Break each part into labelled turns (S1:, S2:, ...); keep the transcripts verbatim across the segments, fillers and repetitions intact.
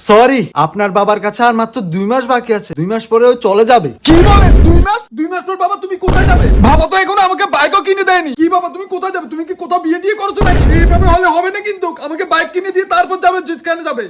S1: Sorry, আপনার বাবার কাছে আর মাত্র দুই মাস বাকি আছে। দুই মাস পরে ও চলে যাবে।
S2: কি বলেন? দুই মাস? দুই মাস পর বাবা তুমি কোথায় যাবে? বাবা তো এখনো আমাকে বাইকও কিনে দেয়নি। কি বাবা তুমি কোথায় যাবে? তুমি কি কোথাও বিয়ে দিয়ে করছো নাকি? এইভাবে হলে হবে না কিন্তু। আমাকে বাইক কিনে দিয়ে তারপর যাবে, যেখানে যাবে।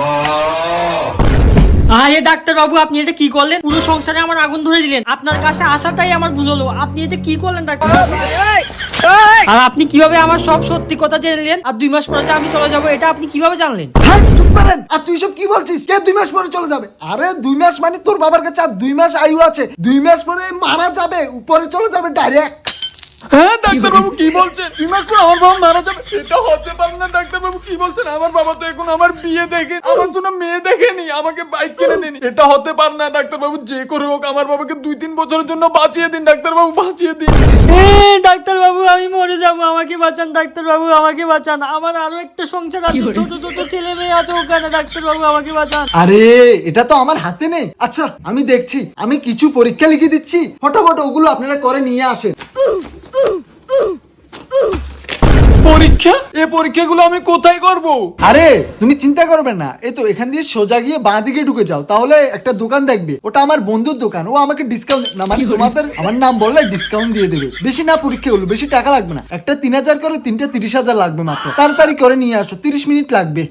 S3: আরে ডাক্তার বাবু, আপনি এটা কি করলেন? পুরো সংসারে আমার আগুন ধরে দিলেন। আপনার কাছে আসাটাই আমার ভুল হলো। আপনি এটা কি করলেন ডাক্তার বাবু? আর আপনি কিভাবে আমার সব সত্যি কথা জেনে নিলেন? আর দুই মাস পরে যে আমি চলে যাবো, এটা আপনি কিভাবে জানলেন?
S1: হ্যাঁ, চুপ করেন। আর তুই সব কি বলছিস? কে দুই মাস পরে চলে যাবে? আরে দুই মাস মানে তোর বাবার কাছে আর দুই মাস আয়ু আছে। দুই মাস পরে মারা যাবে, উপরে চলে যাবে ডাইরেক্ট।
S2: হ্যাঁ ডাক্তার বাবু কি বলছেন? দুই মাস পর আমার বাবা মারা যাবে? এটা হতে পারে না ডাক্তার বাবু। কি বলছেন? আমার বাবা তো এখন আমার বিয়ে দেখে, আমার জন্য মেয়ে দেখেনি, আমাকে বাইক কিনে দেনি। এটা হতে পারে না ডাক্তার বাবু। যে করে হোক আমার বাবাকে দুই তিন বছরের জন্য বাঁচিয়ে দিন ডাক্তার বাবু, বাঁচিয়ে দিন।
S3: এ ডাক্তার বাবু, আমি মরে যাবো, আমাকে বাঁচান ডাক্তার বাবু, আমাকে বাঁচান। আমার আরো একটা সংসার আছে, ছোট ছোট ছেলে মেয়ে আছে ওখানে। ডাক্তার বাবু আমাকে বাঁচান।
S1: আরে এটা তো আমার হাতে নেই। আচ্ছা আমি দেখছি, আমি কিছু পরীক্ষা লিখে দিচ্ছি, ফটোফটো ওগুলো আপনারা করে নিয়ে আসেন।
S2: পরীক্ষা? এই পরীক্ষাগুলো আমি কোথায় করব?
S1: আরে তুমি চিন্তা করবে না, এই তো এখান দিয়ে সোজা গিয়ে বাঁ দিকে ঢুকে যাও, তাহলে একটা দোকান দেখবে। ওটা আমার বন্ধুর দোকান, ও আমাকে ডিসকাউন্ট না মানে তোমাদের আমার নাম বললে ডিসকাউন্ট দিয়ে দেবে। বেশি না পরীক্ষাগুলো, বেশি টাকা লাগবে না। একটা তিন হাজার করে, তিনটা তিরিশ হাজার লাগবে মাত্র। তাড়াতাড়ি করে নিয়ে আসো, তিরিশ মিনিট লাগবে।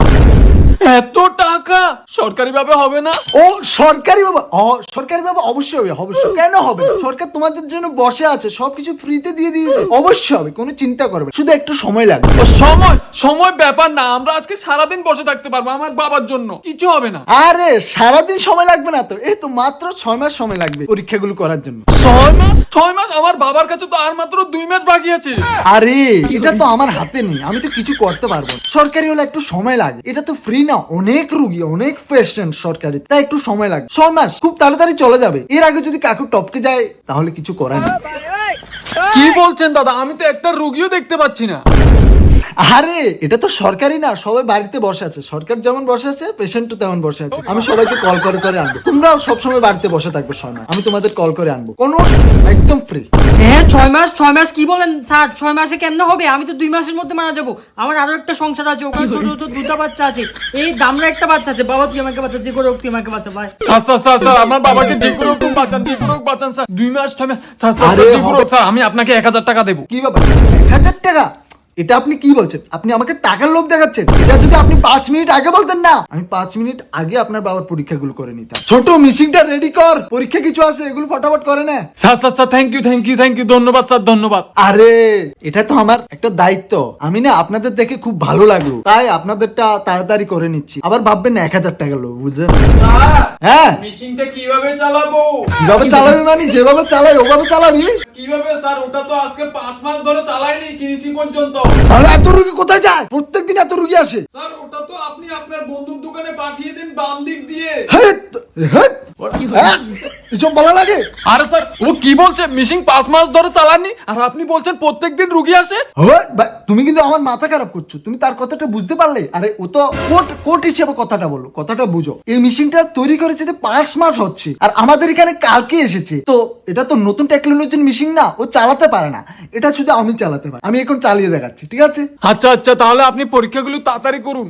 S2: এত টাকা সরকারি ভাবে হবে না?
S1: ও সরকারি বাবা, ও সরকারি বাবা অবশ্যই হবে, অবশ্যই। কেন হবে? সরকার তোমাদের জন্য বসে আছে, সবকিছু ফ্রিতে দিয়ে দিয়েছে। অবশ্যই হবে, কোনো চিন্তা করবে না, শুধু একটু সময় লাগবে।
S2: ও সময় সময় ব্যাপার না, আমরা আজকে সারাদিন বসে থাকতে পারবো আমার বাবার জন্য, কিছু হবে না।
S1: আরে সারাদিন সময় লাগবে না তো, এই তো মাত্র ছয় মাস সময় লাগবে পরীক্ষাগুলো করার জন্য।
S2: ছয় মাস? ছয় মাস? আমার বাবার কাছে তো আর মাত্র দুই মাস বাকি আছে।
S1: আরে এটা তো আমার হাতে নেই, আমি তো কিছু করতে পারবো না। সরকারি হলে একটু সময় লাগে, এটা তো ফ্রি না, অনেক রুগী অনেক পেশেন্ট সরকারি, তাই একটু সময় লাগে। ছয় মাস খুব তাড়াতাড়ি চলে যাবে। এর আগে যদি কাকু টপকে যায় তাহলে কিছু করার নেই।
S2: কি বলছেন দাদা? আমি তো একটা রুগীও দেখতে পাচ্ছি না।
S1: আরে এটা তো সরকারি না, সবাই বাড়িতে বসে আছে। সরকার যেমন বসে আছে, পেশেন্টও তেমন বসে আছে। আমি সবাইকে কল করে করে আনবো, তোমরাও সবসময় বাড়িতে বসে থাকবে ছয় মাস, আমি তোমাদের কল করে আনবো, কোনো একদম ফ্রি।
S3: হ্যাঁ ছয় মাস? ছয় মাস কি বলেন স্যার? ছয় মাসে কেমনে হবে? আমি তো দুই মাসের মধ্যে মারা যাবো। আমার আরো একটা সংসার আছে, ওখানে ছোট ছোট দুটা বাচ্চা আছে, এই দামরা একটা বাচ্চা আছে। বাবা তুই আমাকে বাঁচা, যে করে হোক তুই আমাকে বাঁচা ভাই।
S2: স্যার স্যার স্যার স্যার আমার বাবাকে যে কোনো রকম বাঁচান, যে কোনো রকম বাঁচান স্যার। দুই মাস ছয় মাস স্যার স্যার
S1: আরে
S2: যে কোনো রকম- স্যার আমি আপনাকে এক হাজার টাকা দেবো।
S1: কি ব্যাপার, এক হাজার টাকা? এটা আপনি কি বলছেন? আপনি আমাকে টাকার লোভ দেখাচ্ছেন। এটা যদি আপনি পাঁচ মিনিট আগে বলতেন না, আমি পাঁচ মিনিট আগে আপনার বাবার পরীক্ষাগুলো করে নিতাম। ছোট মিশিংটা রেডি কর, পরীক্ষা কিছু আছে, এগুলো ফটাফট করে না।
S2: Sir sir sir thank you thank you thank you ধন্যবাদ স্যার, ধন্যবাদ।
S1: আরে এটা তো আমার একটা দায়িত্ব, আমি না আপনাদের দেখে খুব ভালো লাগলো, তাই আপনাদেরটা তাড়াতাড়ি করে নিচ্ছি। আবার ভাববেন না এক হাজার টাকা লোভ, বুঝলেন? হ্যাঁ
S2: মেশিনটা কিভাবে চালাবো?
S1: কিভাবে চালাবি মানে যেভাবে চালাই ওভাবে চালাবি।
S2: কিভাবে স্যার? ওটা তো আজকে পাঁচ মাস ধরে চালাইনি, কিনেছি পর্যন্ত।
S1: তাহলে এত রুগী কোথায় যায়? প্রত্যেকদিন এত রুগী আসে।
S2: স্যার ওটা তো আপনি আপনার বন্ধুর দোকানে পাঠিয়ে দিন বাম দিক দিয়ে।
S1: হেৎ, হেৎ, হ্যাঁ, এসব বলা লাগে?
S2: আরে স্যার ও কি বলছে? মেশিন পাঁচ মাস ধরে চালাননি আর আপনি বলছেন প্রত্যেকদিন রুগী আসে?
S1: হেৎ, ভাই, তুমি কিন্তু আমার মাথা খারাপ করছো। তুমি তার কথাটা বুঝতে পারলে? আরে ও তো কোট কোট হিসেবে কথাটা বলো, কথাটা বুঝো। এই মেশিনটা তৈরি করেছে যে পাঁচ মাস হচ্ছে, আর আমাদের এখানে কালকে এসেছে। তো এটা তো নতুন টেকনোলজির মেশিন না, ও চালাতে পারে না। এটা শুধু আমি চালাতে পারি, আমি এখন চালিয়ে দেখাচ্ছি, ঠিক আছে?
S2: আচ্ছা আচ্ছা তাহলে আপনি পরীক্ষাগুলো তাড়াতাড়ি করুন।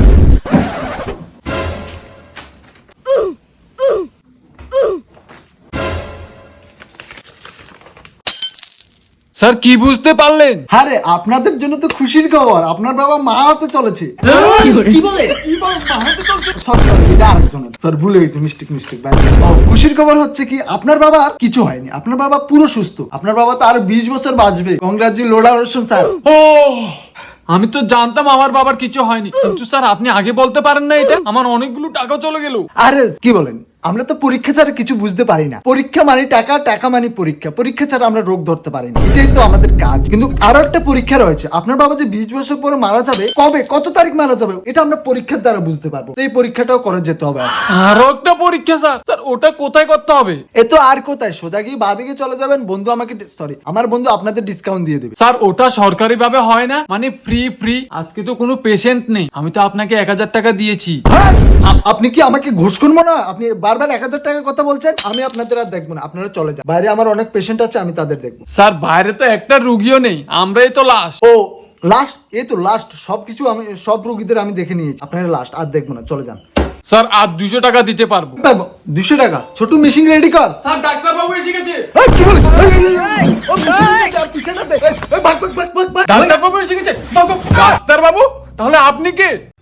S2: স্যার কি বুঝতে পারলেন?
S1: আরে আপনাদের জন্য তো খুশির খবর, আপনার বাবা মা হতে চলেছে।
S3: কি বলে?
S2: কি বলেন? মাহাতে চলছে?
S1: সরি সরি, এটা আরেকজনের, স্যার ভুলে গেছি, মিস্টেক মিস্টেক। খুশির খবর হচ্ছে কি, আপনার বাবার কিছু হয়নি, আপনার বাবা পুরো সুস্থ। আপনার বাবা তো আরো বিশ বছর বাঁচবে। Congratulation sir.
S2: ও আমি তো জানতাম আমার বাবার কিছু হয়নি, কিন্তু স্যার আপনি আগে বলতে পারেন না? এটা আমার অনেকগুলো টাকা চলে গেল।
S1: আরে কি বলেন, আমরা তো পরীক্ষা ছাড়া কিছু বুঝতে পারি না। পরীক্ষা মানে টাকা, টাকা মানে পরীক্ষা, পরীক্ষা ছাড়া আমরা রোগ ধরতে পারি না, এটাই তো আমাদের কাজ। কিন্তু আরো একটা পরীক্ষা রয়েছে, আপনার বাবা যে বিশ বছর পরে মারা যাবে, কবে কত তারিখ মারা যাবে, এটা আমরা পরীক্ষার দ্বারা বুঝতে পারবো। তো এই পরীক্ষাটাও করে যেতে হবে আজ।
S2: আরো একটা পরীক্ষা স্যার? স্যার ওটা কোথায় করতে হবে?
S1: এ তো আর কোথায়, সোজা গিয়ে বাদিকে চলে যাবেন। বন্ধু আমাকে সরি আমার বন্ধু আপনাদের ডিসকাউন্ট দিয়ে দেবে।
S2: স্যার ওটা সরকারি ভাবে হয় না, মানে ফ্রি ফ্রি। আজকে তো কোনো পেশেন্ট নেই, আমি তো আপনাকে এক হাজার টাকা দিয়েছি।
S1: হ্যাঁ, আ- আপনি কি আমাকে ঘুষ করবো না? আপনি বারবার এক হাজার টাকার কথা বলছেন। আমি আপনাদের আর দেখবো না, আপনারা চলে যান। বাইরে আমার অনেক পেশেন্ট আছে, আমি তাদের দেখবো।
S2: স্যার বাইরে তো একটা রুগীও নেই, আমরাই তো লাস্ট।
S1: ও লাস্ট, এই তো লাস্ট। সবকিছু আমি সব রোগীদের আমি দেখে নিয়েছি, আপনারা লাস্ট, আর দেখবো না, চলে যান।
S2: স্যার আর দুশো টাকা দিতে পারবো।
S1: দুশো টাকা ছোট মেশিন রেডি কর।
S2: স্যার ডাক্তার বাবু এসে গেছে।
S1: এই, কি বলিস? এই, এই, এই, এই, ও পিছনে যা, পিছনে দে। এই, এই, ভাগ, ভাগ, ভাগ, ভাগ, ভাগ।
S2: ডাক্তার বাবু এসে গেছে। ডাক্তার বাবু তাহলে আপনি কে?